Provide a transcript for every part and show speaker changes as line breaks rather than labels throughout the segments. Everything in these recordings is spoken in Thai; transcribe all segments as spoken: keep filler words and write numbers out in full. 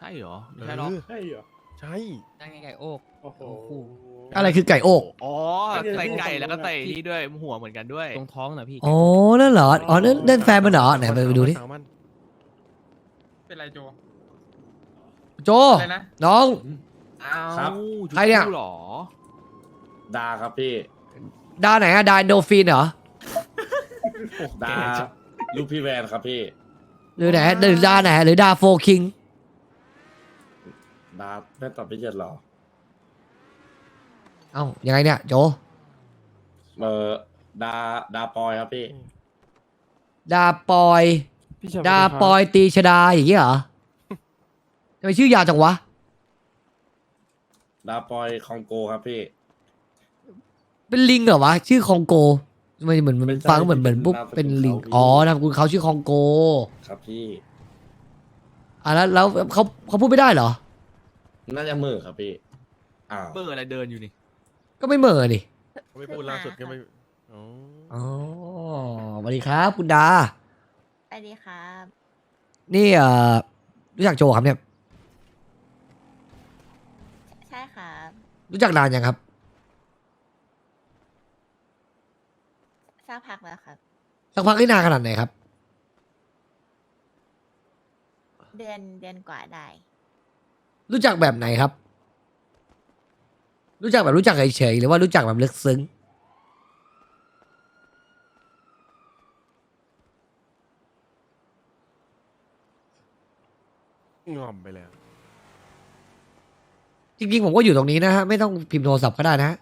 ช่เหรอไม่ใช่หรอก
ใช่เหรอ
ใช่
นั่งไงไก่โอก
โอ้โห
โอ้โห
อะไรคือไก่โอก
อ๋อใส่ไก่แล้วก็ใส่นี่ด้วยหัวเหมือนกันด้วย
ตรงท้องนะพี่
อ๋อนั่นเหรออ๋อนั่นนั่นแฟนมันเหรอไหนไปดูดิ
สาวมัน
เป็นไรโจ
โจ
อะไรนะ
น้อง
อ้าว
ครับ
ใครเนี่ย
จุ๊บหรอ
ดาครับพี่
ดาไหนอะดาโดฟินเหรอ
ดาลูกพี่แวนครับพี่
หรือไหนหรือดาไหนหรือดาโฟคิง
ดาไม่ตอบไม่เจ็ดหรอ
เอ้ายังไงเนี่ยโจ
เออดาดาปอยครับพี่
ดาปอย
พี่ชาย
ดาปอยตีชดาอย่างเงี้ยเหรอทำไมชื่อยาวจังวะ
ดาปอยคองโกครับพี่
เป็นลิงเหรอวะชื่อคองโกทำไมเหมือนมัน
ไม่ใช่
ฟังเหมือนเหมือนปุ๊บ
นามสกุล
เป็นลิง
เขาพี่
อ๋อนามสกุลเขาชื่อคองโก
ครับพี่
อ่ะแล้วแล้วเขาเขาพูดไม่ได้เหรอ
น่าจะมือครับพี่อ้าว
เบอร์อะไรเดินอยู่นี่
ก็ไม่เหม่อนี่
เขาไม่พูดล่าสุดก็ไม่อ๋อ
อ๋อสวัสดีครับคุณดา
สวัสดีครับ
นี่เอ่อรู้จักโจครับเนี่ย
ใช่ครับ
รู้จักนานยังครับ
สักพักแล้วครับ
สักพักที่นานขนาดไหนครับ
เดือนเดือนกว่าได้
รู้จักแบบไหนครับ รู้จักแบบรู้จักเฉยๆหรือว่ารู้จักแบบลึกซึ้ง
งอมไปแล้ว
จริงๆผมก็อยู่ตรงนี้นะฮะไม่ต้องพิมพ์โทรศัพท์ก็ได้นะฮะ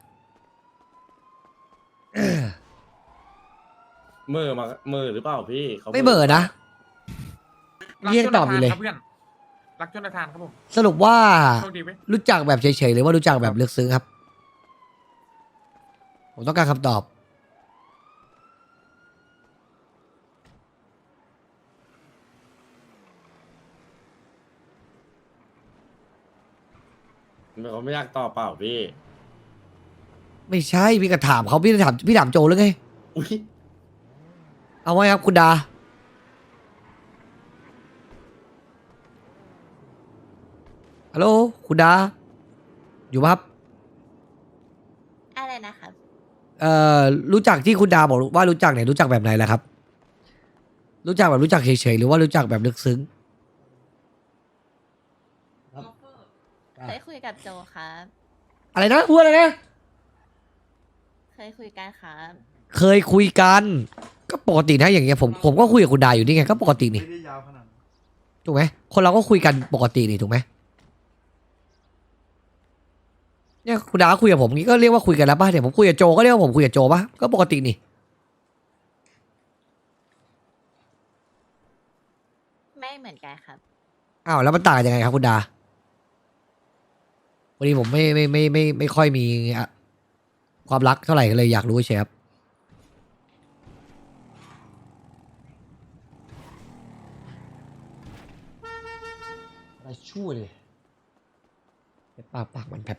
มือมามือหรือเปล่าพี่ขา
ไม่เหม่อนะ
รัก
เรียก
ชน
ตอบอยู่เลย
ครับเพื่อนรักชนทานครับผม
สรุปว่า
โชคดีไหม
รู้จักแบบเฉยๆหรือว่ารู้จักแบบลึกซึ้งครับ ผมต้องการคำตอบ
เขาไม่อยากตอบเปล่าพี่
ไม่ใช่พี่ก็ถามเขาพี่ถามพี่ถามโจหรือไง
อุ้ย
เอาไว้ครับคุณดา ฮัลโหลคุณดา อยู่ปะครับ
อะไรนะครับ
เอ่อรู้จักที่คุณดาบอกว่ารู้จักเนี่ยรู้จักแบบไหนล่ะครับ รู้จักแบบรู้จักเฉยๆหรือว่ารู้จักแบบลึกซึ้ง
เคยคุยกับโจครับ
อะไรนะพูดอะไรนะ
เคยคุยกันครับ
เคยคุยกัน ก็ปกตินะอย่างเงี้ยผมผมก็คุยกับคุณดาอยู่นี่ไงก็ปกตินี่ถูกไหมคนเราก็คุยกันปกตินี่ถูกไหมเนี่ยคุณดาคุยกับผมงี้ก็เรียกว่าคุยกันแล้วป่ะเนี่ยผมคุยกับโจก็เรียกว่าผมคุยกับโจป่ะก็ปกตินี่
ไม่เหมือนกันครับ
อ้าวแล้วมันต่างกันยังไงครับคุณดาวันนี้ผมไม่ไม่ไม่ไม่ไม่ค่อยมีอะความรักเท่าไหร่ก็เลยอยากรู้เฉยครับอะไรชั่วเลยปากปากมันแบบ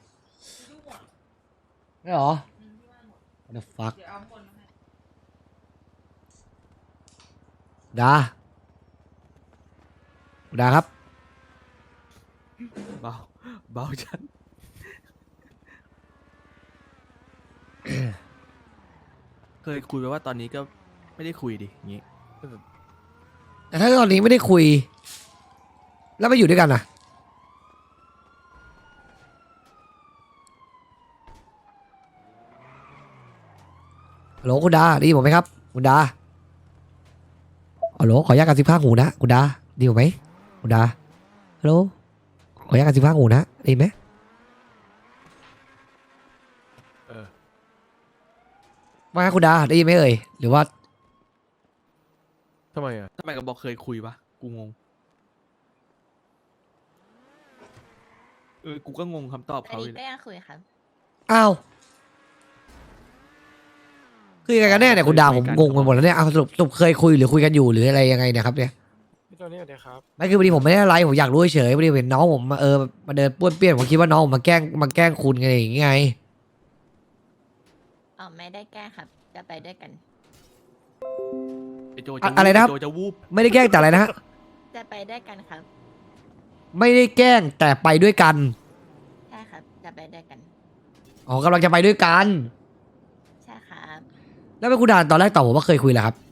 ไม่หรอ What the fuck ดาดาครับ
เบาเบาจัน เคยคุยไปว่าตอนนี้ก็ไม่ได้คุยดิอย่างงี้
แต่ถ้าตอนนี้ไม่ได้คุย แล้วไม่อยู่ด้วยกันนะฮัลโหลคุณดาได้ยินผมไหมครับคุณดาฮัลโหลขออนุญาตการสิบห้าหูนะคุณดาได้ยินผมไหมคุณดาฮัลโหลขออนุญาตการสิบห้าหูนะได้ยินไหม
เออ
ว่าไงคุณดาได้ยินไหมเอ่ยหรือว่า
ทำไมอ่ะ
ทำไมก็บอกเคยคุยวะกูงงเออกูก็งงคำตอบ
อัน
เขาอ
นี้
ยู่
ก็ยังคุยครับ
อ้าวคือยังไงกันแน่เนี่ยคุณดาผมงงไปหมดแล้วเนี่ยเอาสรุปสรุปเคยคุยหรือคุยกันอยู่หรืออะไรยังไงเนี่ยครับเนี่ย
พี่ตัวนี้สวัสดีครับ
ไม่คือพอดีผมไม่ได้อะไรผมอยากรู้เฉยๆพอดีเห็นน้องผมมาเออมาเดินป้วนเปี้ยนผมคิดว่าน้องผมมาแกล้งมาแกล้งคุณไงอย่างงี้ไง
อ๋อ ไม่ได้แกล้งครับ จะไปด้วยกัน
ไอโจ
อะ
จะ
อะไรนะครับ
โจจะวูบ
ไม่ได้แกล้งแต่อะไรนะฮะ
จะไปด้วยกันครับ
ไม่ได้แกล้งแต่ไปด้วยกัน
ใช่ครับ จะไปด้วยกัน
อ๋อกำลังจะไปด้วยกัน
ใช่ครับ
แล้วเป็นคุณดาตอนแรกตอบผมว่าเคยคุยแหละครับ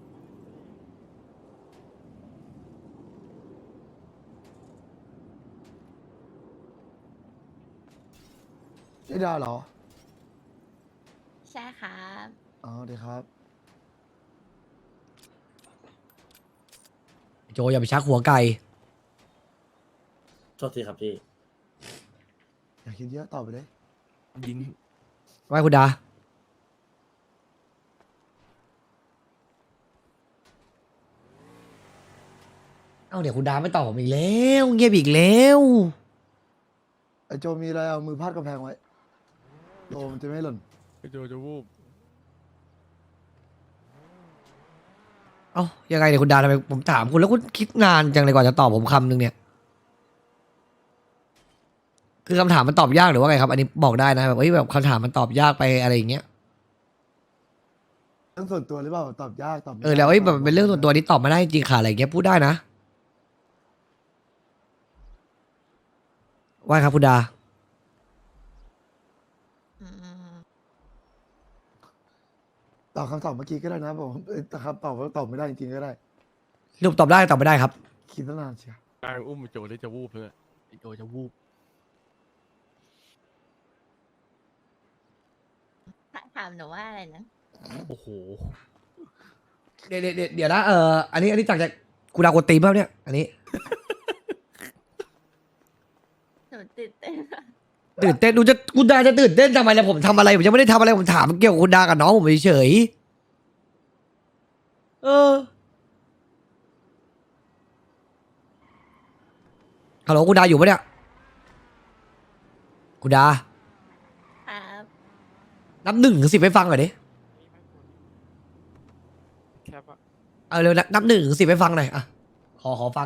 ไอ้ดาเหรอ
ใช่ครับ
อ๋อเดี๋ยวครับ
โจอย่าไปชักหัวไก่
โทษทีครับพี่
อย่าคิดเยอะตอบไปเลย
ยิง
ไว้คุณดา เอ้าเดี๋ยวคุณดาไม่ตอบผมอีกแล้ว เงียบอีกแล้ว
ไอ้โจมีอะไรเอามือพาดกำแพงไว้โจมันจะไม่หล่น
ไอ้โจจะวูบ
เอ้ายังไงเนี่ยคุณดาทำไมผมถามคุณแล้วคุณคิดนานจังเลยกว่าจะตอบผมคำหนึ่งเนี่ย คือคำถามมันตอบยากหรือว่าไงครับ อันนี้บอกได้นะแบบเฮ้ยแบบคำถามมันตอบยากไปอะไรอย่างเงี้ย
เรื่องส่วนตัวหรือเปล่าตอบยากตอบไม่
เออแล้วเอ้ยแบบมันเป็นเรื่องส่วนตัวนี้ตอบไม่ได้จริงค่ะอะไรอย่างเงี้ยพูดได้นะว่าครับคุณดา
อืม
ตอบคำตอบเมื่อกี้ก็ได้นะผมเอ้ยแต่คำตอบว่าตอบไม่ได้จริงๆก็ได้
รูปตอบได้ตอบไม่ได้ครับ
คิดตั้งนานเชียว
กลางอุ้มไอ้โจเลยจะวูบเลยไอ้โจจะวูบ
ถามหนูว่าอะไรนะ
โอ้โห
เดี๋ยวเดี๋ยวเดี๋ยวเดี๋ยวนะเอออันนี้อันนี้จากจากคุณดากดตีมเปล่าเนี่ยอันนี้
หนูตื่นเต้น
ตื่นเต้นดูจะคุณดาจะตื่นเต้นทำไมล่ะผมทำอะไรผมยังไม่ได้ทำอะไรผมถามเกี่ยวกับคุณดากับน้องผมเฉยๆเออฮัลโหลคุณดาอยู่ปะเนี่ยคุณดา
ครับ
นับหนึ่งถึงสิบให้ฟังหน่อยดิ
แคปอะ
เอาเร็วนะนับหนึ่งถึงสิบให้ฟังหน่อยอ่ะขอขอฟัง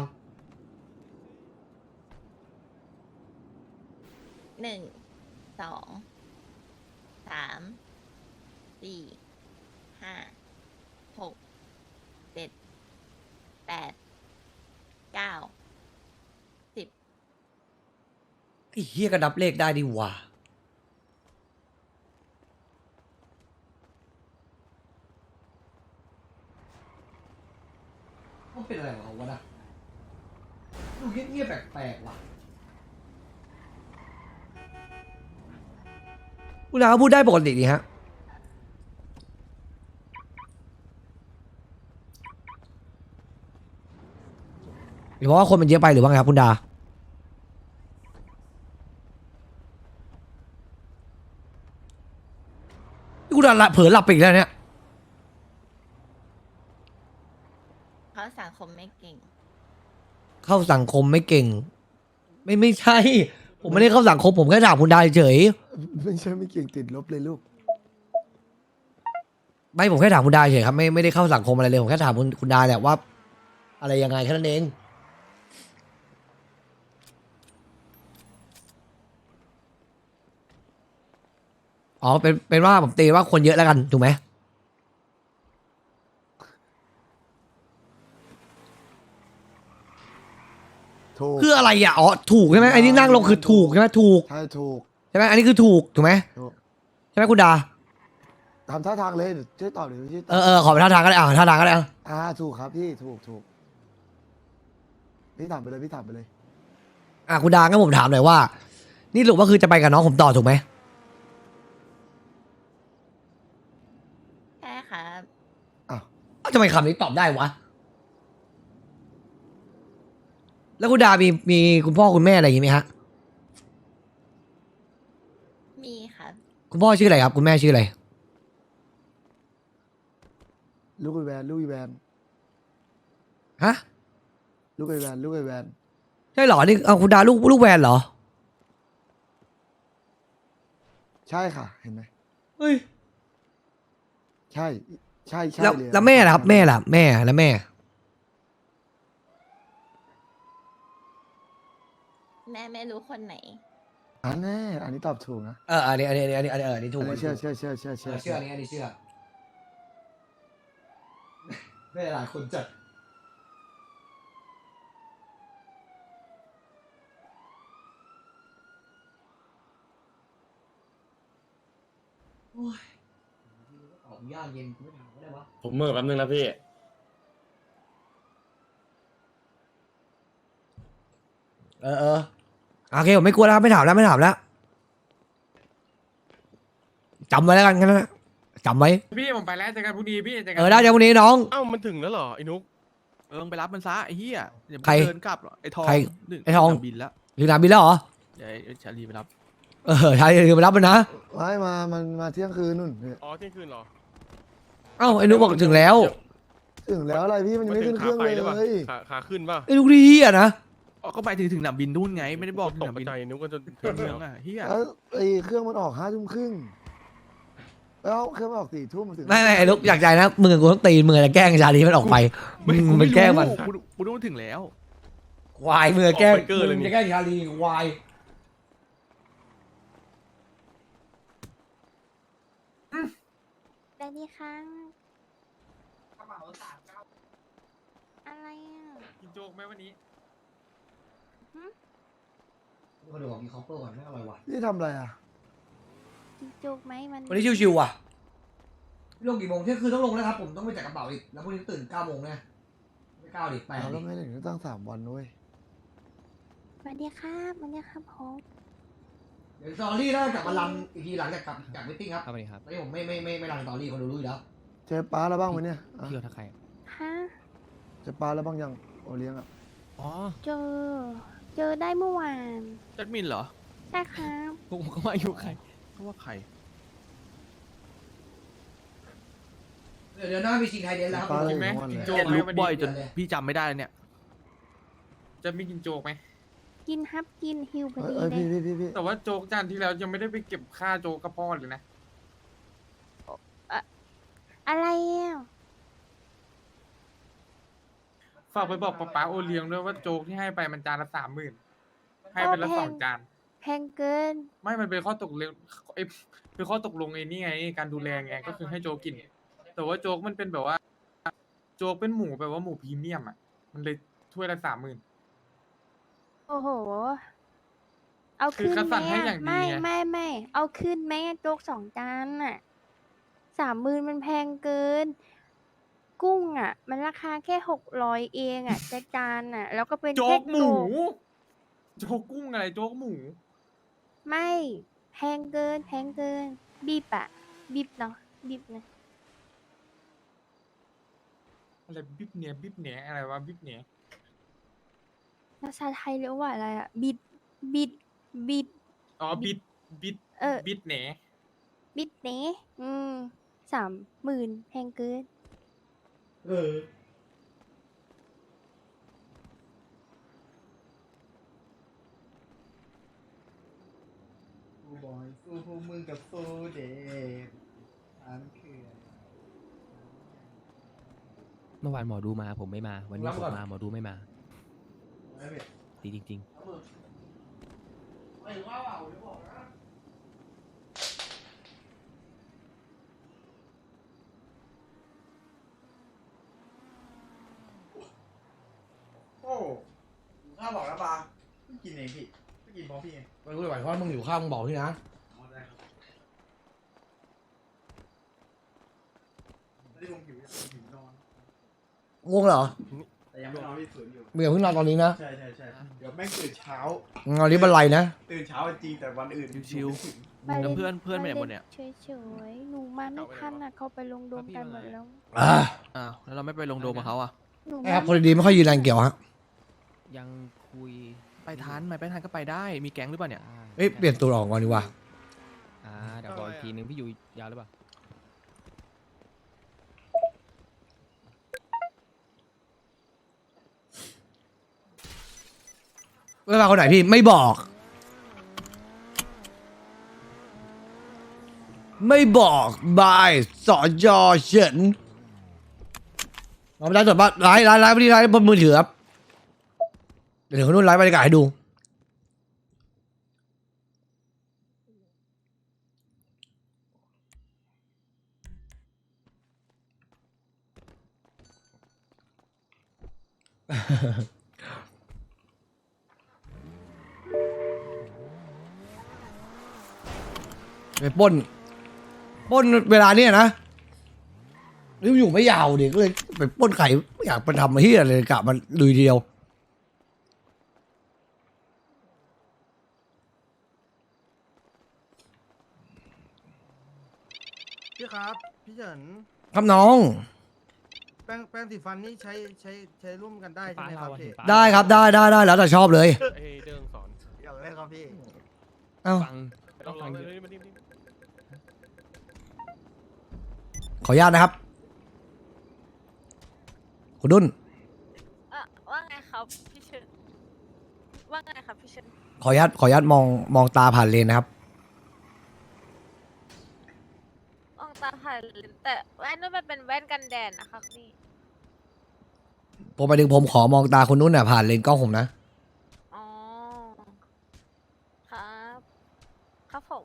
หนึ่ง สอง สาม สี่ ห้า หก เจ็ด แปด เก้า สิบ
ไอ้เฮียก็นับเลขได้ดีหว่ามันเป็นอะไรของวะนะดูเงียบๆแปลกๆว่ะคุณอาพูดได้ปกติดีฮะหรือว่าคนมันเยอะไปหรือว่าไงครับคุณดาคุณดาละเผลอหลับไปอีกแล้วเนี่ย
เขาสังคมไม่เก่ง
เข้าสังคมไม่เก่ง ไม่ไม่ใช่ ผมไม่ได้เข้าสังคมผมแค่ถามคุณดาเฉย
ไม่ใช่ไม่เก่งติดลบเลยลูก
ไม่ผมแค่ถามคุณดาเฉยครับไม่ไม่ได้เข้าสังคมอะไรเลยผมแค่ถามคุณคุณดาแหละว่า อะไรยังไงแค่นั้นเองอ๋อเป็นเป็นว่าผมตีว่าคนเยอะแล้วกันถูกไหม
ถูก
คืออะไรอ่ะอ๋อถูกใช่ไหมไอ้นี่นั่งลงคือถูกใช่ไหมถูก
ใช่ถูก
ใช่ไหมอันนี้คือถูกถูกไหม
ถูก
ใช่ไหมคุณดา
ทำท่าทางเลยเดี๋ยวช่วยตอบเดี๋ยวช่วยต
เอ
อบ
อเออขอไปท่าทางก็ได้อ่าท่าทางก็ได้อ่ะ
อ่าถูกครับพี่ถูกถูกพี่ถามไปเลยพี่ถามไปเลย
อ่ะคุณดางั้นผมถามหน่อยว่า นี่สรุปว่าคือจะไปกับน้องผมต่อถูกไหม
ใช่ครับ
อ้าว
เอ้าทำไมคำนี้ตอบได้วะ แล้วคุณดามีมีคุณพ่อคุณแม่อะไรอย่างงี้ไหมฮะ
มีครับ
คุณพ่อชื่ออะไรครับ คุณแม่ชื่ออะไร
ลูกไอแวนลูกไอแวน
ฮะ
ลูกไอแวนลูกไอแวน
ใช่เหรอ นี่เอาคุณดาลูกลูกแวนเหรอ
ใช่ค่ะ เห็นไหม
เฮ้ย
ใช่ใช่ใช่
แล้ว
เลย
แล้วแม่ล่ะครับ แม่ล่ะ แม่แล้วแม่
แม่ไม่รู้คนไหน
อันแน่อันนี้ตอบถูกนะ
เอออันนี้อันนี้อันนี้อันนี้เอออันนี้ถู
อั
ก
นนี้เชื่อเชื่อเชื่อเชื่อ
เชื่
เชื่
อ
อ
เชื่ออันนี้อันนี้เชื่อแม่หลายคนจัดโอ้ยออกยากเย็นไม่ถามก็ได้วะ
ผมเมื่อแป๊บนึงนะพี่
เออเออโอเคผมไม่กลัวแล้วครับไม่ถามแล้วไม่ถามแล้วจำไว้แล้วกันงั้นนะจำไว้
พี่ผมไปแล้วเจอกันพรุ่งนี้พี่เจอกั
เออได้จากวันนี้น้อง
เอ้ามันถึงแล้วเหรอไอ้นุ๊ก
เออมึงไปรับมันซะไอ้เหี้ยเดี๋ยวมึง
ใคร
เดินกลับหรอกไอ้ทอง
ใคร
นึ่
ไอ้ทอง
บินแล้ว
ถึงสนามบินแล้วเหรอ
เดี๋ยวไอ้ชาลีไปรับ
เออใช่เดี๋ยวไปรับมันนะ
ไม่มา มันมาเที่ยงคืนนู่นเนี่ย
อ๋อเที่ยงคืนเหรอ
เอ้าไอ้นุ๊กบอกถึงแล้ว
ถึงแล้วอะไรพี่มันยังไม่ขึ้นเครื่องเลย
หรือเปล่า
เลย
ขาขาขึ้นป่ะ
ไอ้นุ๊กดีอ่ะนะ
อ๋อก็ไปถึงถึงสนามบินนู่นไงไม่ได้บอกถึง
ต
ส
ก
นาม
ใจ
บิน
นุ๊กก็จะ
เมืองอ่ะเหี้ย
แล้วไอ้เครื่องมันออกห้าทุ่มครึ่งแล้วเครื่องมันออกสี่ทุ่มมันถึง
ไม่ไม่ไอ้นุ๊กอยากใจนะมึงกับกูต้องตีมึงจะแกล้งชาลีมันออกไปมึงมันแกล้งมัน
กูกูรู้ถึงแล้ว
ควายมึงจะแกล้งมึงจะแกล้งชาลีควาย
ได้ดีค่ะอะไรอ่ะ
กินโจ๊กไหมวันนี้
ก็ดูของมีคอปเปอร์ก่อนไม่อร่อยว่ะ
นี่ทำอะไรอ่ะ
กินจุกไหมมัน
วันนี้ชิวๆอ่ะลงกี่โมงเที่ยงคืนต้องลงนะครับผมต้องไปจัดกระเป๋าอีกแล้วพรุ่งนี้ตื่นเก้าโมงนะไม่เก้าดิแปด
เรา
ดิ
แล้วไม่ถึงตั้งสามวันด้วย
สวัสดีครับสวัสดีครับผม
เดี๋ยวสตอรี่น่าจะกลับมารันอีกทีหลังจากกลับจากมิทติ้งครับ
ครับสวัสดีครับ
ตอนนี้ผมไม่ไม่ไม่ไม่รันสตอรี่คนดูรู้อยู่แล้ว
เจอป้าแล้วบ้างไหมเนี่ยอ่ะ
เที่ยวทักใคร
ฮะ
เจอป้าแล้วบ้างยังโอเลี้ยงอ่ะ
อ๋อ
เจอ เจอได้เมื่อวาน
จัดมินเหรอ
ใช่ครับ
ผมก็ว่าอยู่ใคร
เพราะว่าใคร
เดี๋ยวเดี๋ยวหน้ามีชิงไทยเดนแล้วครับ
ป้าเลย
กินไหม
ทั้งวัน
กิน
เลย
โจ๊
แก
กไหม
ลุก
วัน
บ่อย
นี้
จนพี่จำไม่ได้เลยเนี่ย
จะมีกินโจ๊กไหม
กินฮับกินฮิวพอ
เอ้ย
ดี
เอ้ย
เล
พี่
ย
พี่พี่พี่
แต่ว่าโจ๊กจานที่แล้วยังไม่ได้ไปเก็บค่าโจ๊กกับพ่อเลยนะ
อะไรอ่ะ
ฝากไปบอกป๊าป๊าโอเลี้ยงด้วยว่าโจ๊กที่ให้ไปมันจานละสามหมื่นให้เป็นละสองจาน
แพงเกิน
ไม่มันเป็นข้อตกลงไอ้ยเป็นข้อตกลงไอ้นี่ไง การดูแลไงก็คือให้โจ๊กกิน แต่ว่าโจ๊กมันเป็นแบบว่า โจ๊กเป็นหมูแบบว่าหมูพรีเมียมอ่ะ มันเลยถ้วยละสามหมื่น
โอ้โห เอา
คือ
ขึ้น
คัดสรร
ไหม
ให้
อะ
อย่างดี
ไม่
ไง
ไม่ไม่เอาขึ้นไหมอะโจ๊กสองจานน่ะสามหมื่นมันแพงเกิน กุ้งอ่ะ มันราคาแค่หกร้อยเองอ่ะจะจานอ่ะ แล้วก็เป็น
โจ๊
แค่
กหมู โจ๊กกุ้งอะไรโจ๊กหมู
ไม่แพงเกิน แพงเกิน บีบอะบีบเนาะบีบนะ
อะไรบิ๊บเนี้ยบิ๊บเนี้ยอะไรวะบิ๊บเนี้ย
ภาษาไทยเรียกว่าอะไรอะบิดบิดบิด
อ๋อบิดบิด
เออ
บิดเนี้ย
บิดเนะอืมสามหมื่นแพงเกิน
เออ
กูบอยสู้พวกมึงกับสู้เด็กอันคือ
เมื่อวานหมอดูมาผมไม่มา วันนี้
รับ
ผม
ก่อน
มาหมอดูไม่มา
ไม่เป็น
ดีจริง
ไม่ว่าว่าผมจะบอกนะ
โอ้ข้าบอกแล้วปะไม่กินเองพี่ไม่กินเพราะพี่ไง
ไม่รู้เลยว่ามึงอยู่ข้างมึงบอกที่นะ
อ๋อได้ครับไม่ได้ลงหิวอยากหิวนอน
ง่วงเหรอ
แต่ยังไม่นอนพี่ฝืนอยู่
มึงอย่าเพิ่งนอนตอนนี้นะ
ใช่ใช่ใช่เดี๋ยวแม่งตื่นเช้า
งานนี้บันไลนะ
ตื่นเช้าจริงแต่วันอื่น
ชิว
มา
แล้ว
ล่
เพื่อนเพื่อนไปไหนหมดเนี่ย
เฉยๆหนูมาไม่ทันอ่ะ เขาไปลงโดมกันหมดแล้ว
อ่า
อ้าวแล้วเราไม่ไปลงโดมกับเขาอ่ะ
หนู
ไอ้ครับ
มา
คนดีๆไม่ค่อยยืนแรงเกี่ยวฮะ
ๆ ยังคุย
ไปทันไหมไปทันก็ไปได้มีแก๊งหรือเปล่าเนี่ย
อ่า
เอ้ยเปลี่ยนตัวออกก่อนดีกว่า
อ่าเดี๋ยวบอกอีกทีนึงพี่อยู่ยาวหรือเปล่า
เวลาคนไหนพี่ไม่บอก ไม่บอกบายสอจอเฉินเราไม่ได้ตรวจบ้านไลฟ์ไลฟ์ไลฟ์ไม่ได้ไลฟ์บนมือถือครับเดี๋ยวคนนู้นไลฟ์บรรยากาศให้ดูไปปล้นปล้นเวลาเนี้ยนะนี่อยู่ไม่ยาวดิก็เลยไปปล้นไข่ไม่อยากไปทำเฮียเลยกะมันลุยเดียว
พี่ครับ พี่เฉิน
ครับน้อง
แป้งแป้งสีฟันนี่ใช้ใช้ใช้ร่วมกันได้ใช่ไหมครับพี่
ได้ครับได้ได้ได้แล้วแต่ชอบเลย
เอ้ยเดิงสอน
อยากเล่นครับพี่
เอ้า
ฟัง
ล
ต้
อ
อง ง
ล
ฟั
อง
ง
เล
เย
ย
อะ
มาดิมาดิ
ขออนุญาตนะครับคุณดุน
อ่ะว่าไงครับพี่เชิญว่าไงครับพี่เชิญ
ขออนุญาตขออนุญาตมองมองตาผ่านเลนนะครับ
มองตาผ่านเลนแต่แว่นนู้นมันเป็นแว่นกันแดดนะครับนี่
ผมไปถึงผมขอมองตาคุณนุ่นน่ะผ่านเลนกล้องผมนะ
อ๋อครับครับผม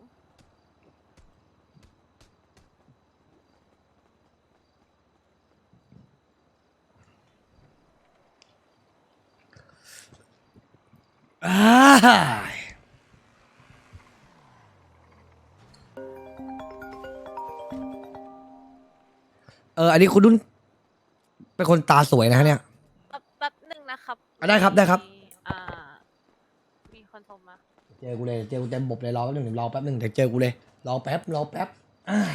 อ้ายเอออันนี้คุณดุนเป็นคนตาสวยนะฮะเนี่ย
แป๊บแป๊บหนึ่งนะครับ
อ่ะได้ครับได้ครับ
มีอ่า มีคนโทรมา
เจอกูเลยเจอกูเต็มบบเลยรอแป๊บหนึ่งเดี๋ยวรอแป๊บหนึ่งเดี๋ยวเจอกูเลยรอแป๊บรอแป๊บอ่า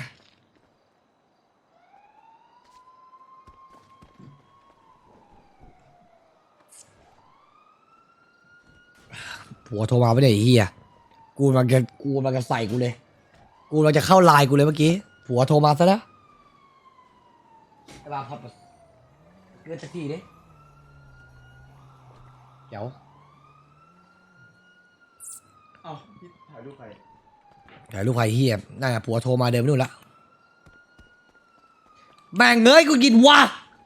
ผัวโทรมาไม่ได้ไอ้เฮียกูมันจะกูมันจะใส่กูเลย กูมันจะเข้าไลน์กูเลยเมื่อกี้ผัวโทรมาซะแล้วไอ้บ้าพับเลื่อนสักทีดิเดี๋ยว
เอ้าพี่ถ่ายรูปใคร
ถ่ายรูปใครเฮียน่าจะผัวโทรมาเดินไปนู่นละแม่งเงยกูกินวะ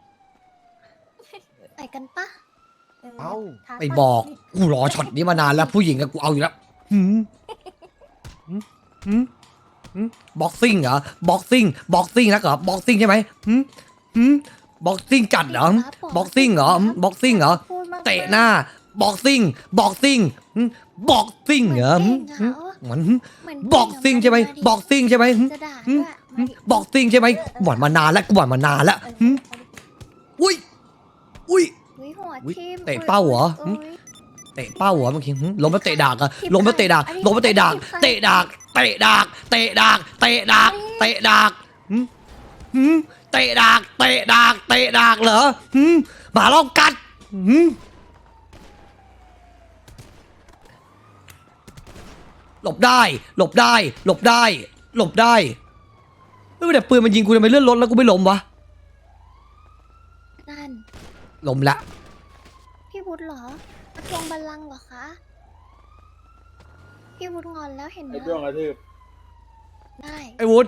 ไปกันปะ
เอ้า
ไปบอกกูรอช็อตนี้มานานแล้วผู้หญิงกับกูเอาอยู่แล้วหืมหืมหืมหืมบ็อกซิ่งเหรอบ็อกซิ่งบ็อกซิ่งนะเหรอบ็อกซิ่งใช่ไหมหืมหืมบ็อกซิ่งจัดเหรอบ็อกซิ่งเหรอบ็อกซิ่งเหรอเตะหน้าบ็อกซิ่งบ็อกซิ่งบ็อกซิ่งเหรอหืมหืมเหมือนบ็อกซิ่งใช่ไหมบ็อกซิ่งใช่ไหมหืม
จะด่า
หืม
ด้วย
หืมบ็อกซิ่งใช่ไหมหวานมานานแล้วกูหวานมานานแล้วหืมอุ้ยอุ้ย
อุ๊ยหัว
อุ๊ย
ทิ่ม
เตะเป้าเหรอ
อุ๊ย
เตะเป้าเหรอเมื่อกี้หึลงมาเตะดากอะ
ทิ่
ลงมาเตะดาก
อันนี้
ลงมาเตะดาก
ทิ่ม
เตะดากเตะดากเตะดากเตะดากเตะดากหึหึเตะดากเตะดากเตะดากเหรอหึหมาลองกัดหึหลบได้ หลบได้ หลบได้ หลบได้เฮ้ยแต่ปืนมันยิงกูทำไมเลื่อนรถแล้วกูไม่ล้มวะ
นั่น
ล้มละ
พี่วุฒิเหรอมาทวงบัลลังก์เหรอคะ พี่วุฒิงอนแล้วเห็นไหม
ไอ้ด้วงกระทืบ
ได้
ไอ้วุฒิ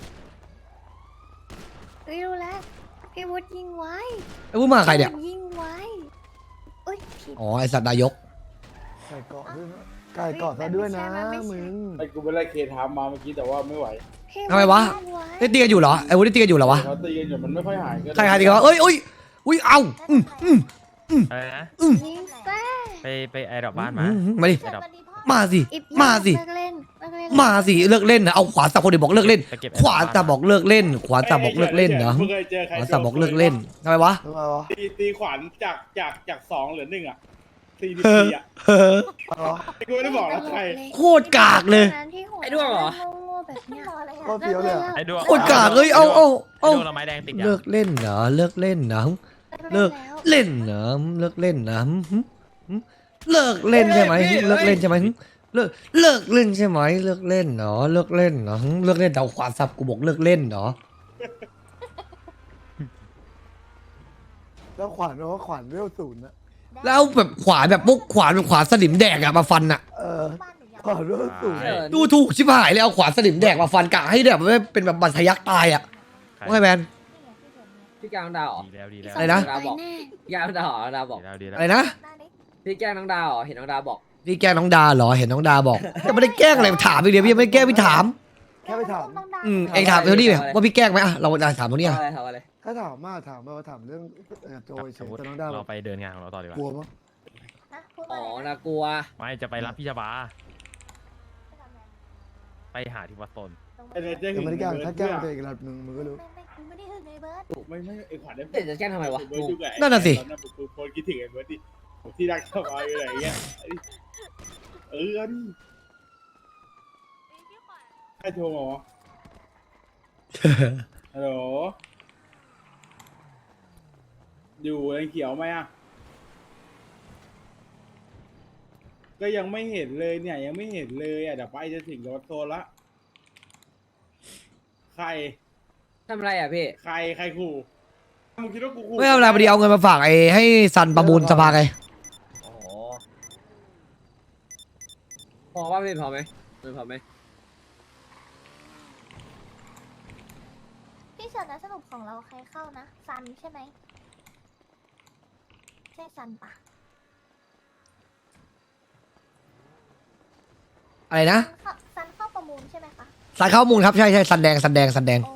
เฮ้ยรู้แล้ว พี่วุฒิยิงไว้
ไอ้วุฒิมากับใครเนี่ย
พี่วุฒิยิงไว้อุ้ยผิด
อ๋อไอสัตว์นายก
ใส่เกาะด้วยนะไก่เกาะซะด้วยนะ
มันไม่ใช่
มึง
ไอ้กูไปไล่เคทามมาเมื่อกี้แต่ว่าไม่ไหว
พี่
ทำไมวะ
ยิงไ
ได้ตีกันอยู่เหรอไอ้วุฒิได้ตีกันอยู่เหรอวะ
เขาตีกันอยู่มันไม่ค่อยหายก็
ใครใครตีกันวะเอ้ยเอ้ยอุ้ยเอาอืมอืม
อะไรนะ
อืม
ยิงแซ่
ไปไปไอดอกบ้านมา
อืมมาดิ
ไอดอก
มาสิ
อิบ
มาสิ
เลิกเล่นเลิกเล่น
มาสิเลิกเล่นนะเอาขวาสับคนเดียวบอกเลิกเล่น
ไปเก็บ
ขวาสับบอกเลิกเล่น ขวาสับบอกเลิกเล่นเหรอ
มึงเคยเจอใคร
ขวาสับบอกเลิกเล่นทำไมวะ
ทำไมวะ
ตีตีขวานจากจากจากสองเหลือหนึ่งอ่ะสี่สิบสี่อ่ะ
เฮ้อ
เอาเหรอ
กูไม่ได้บอกแล้วใคร
โคตรกากเลย
ไอ้ด้วงเหรอแบบเนี้ย
ก็เฟี้ยวเลยอะ
ไอดวง
โคตรกากเลยเอาเอา
ไอ
เอา
ดวงเราไม้แดงติดยัง
เลิกเล่นเหรอเลิกเล่นเหรอเลิกเล่นเหรอเลิกเล่นนะหึหึหึเลิกเล่นใช่ไหมหึเลิกเล่นใช่ไหมหึเลิกเลิกเล่นใช่ไหมเลิกเล่นเหรอเลิกเล่นเหรอหึเลิกเล่นแต่เอาขวาสับกูบอกเลิกเล่นเหรอ
แล้วขวานแปลว่าขวานเวลศูนย์นะ
แล้วแบบขวานแบบพวกขวานแบบขวานสนิมแดกอะมาฟันอะ
เออขวานเวลศูนย์
ดูถูกชิบหายเลยเอาขวานสนิมแดกมาฟันกะให้แบบไม่เป็นแบบบันทะยักตายอะว่าไงแมน
พี่แกล้งน้องดาวเหรอ
ดีแล้วดีแล้ว
อะไรนะ
ตายแน่
พี่แกล้งน้องดาวเหรอน้องดาวบอก
ดีแล้วดีแล้ว
อะไรนะ
พี่แกล้งน้องดาวเหรอเห็นน้องดาวบอก
พี่แกล้งน้องดาเหรอเห็นน้องดาบอกจะไม่ได้แกล้งอะไรถามอีกเดียวพี่ยังไม่ได้แกล้งพี่ถาม
แค่ไปถาม
อืมเองถามเท่านี้เนี่ยว่าพี่แกล้งไหมอะเราถามตรงนี้
ทำ
อะ
อะไรทำอะไร
ถ้าถามมาถามมาว่าถามเรื่องเอ่อโจยเฉ
สม
ย
มติ
แต่น้องดาว
เราไปเดินงานของเราต่อดีก
กลัว
ว่า
มั้ง
อ๋อนากลัว
ไม่จะไปรับพี่ชบาไปหาที่วัดโซน
ไอ้เนเจอร์
แต่
หึง
ไม่ได้แกล้ง
เบิร์
ถ้า
ด
แกล้
เพื่
ง
อ
ตัวเองระดับหนึ่งมึงก็รู้
ไม่ไม่กูไม่ได้หึงไอ้เบิร์ด
ไม่ไม่ไอ้ขวัญได้
เดี๋ยวจะแกล้งทำไมวะ
เบิร์ดอยู่กับไอ้
นั่นน่ะสิ
ตอนนั้นผมโพสต์คิดถึงไอ้เบิร์ดดิผมที่รักชอบอะไรอะไรอย่างเงี้ยเออเอาดิใครโทรมาวะฮัลโหลอยู่แรงเขียวไหมอ่ะก็ยังไม่เห็นเลยเนี่ยยังไม่เห็นเลยอ่ะเดี๋ยวไปจะถึงรถโซนละใคร
ทำอะไรอ่ะพี่
ใครใครขู่มึงคิดว่ากูขู่
ไม่ทำอะไรพอดีเอาเงินมาฝากไอ้ให้ซันประมูลสภาไง
โอ้โหพอว่าพี่พอไหมเงินพอไหม
พี่เฉินนะสรุปของเราใครเข้านะซันใช่ไหมใช่ซันปะ
อะไรนะ
ซันเข้าซันเข้าประมูลใช่ไหมคะ
ซันเข้ามูลครับใช่ใช่ซันแดงซันแดงซันแดง
โอ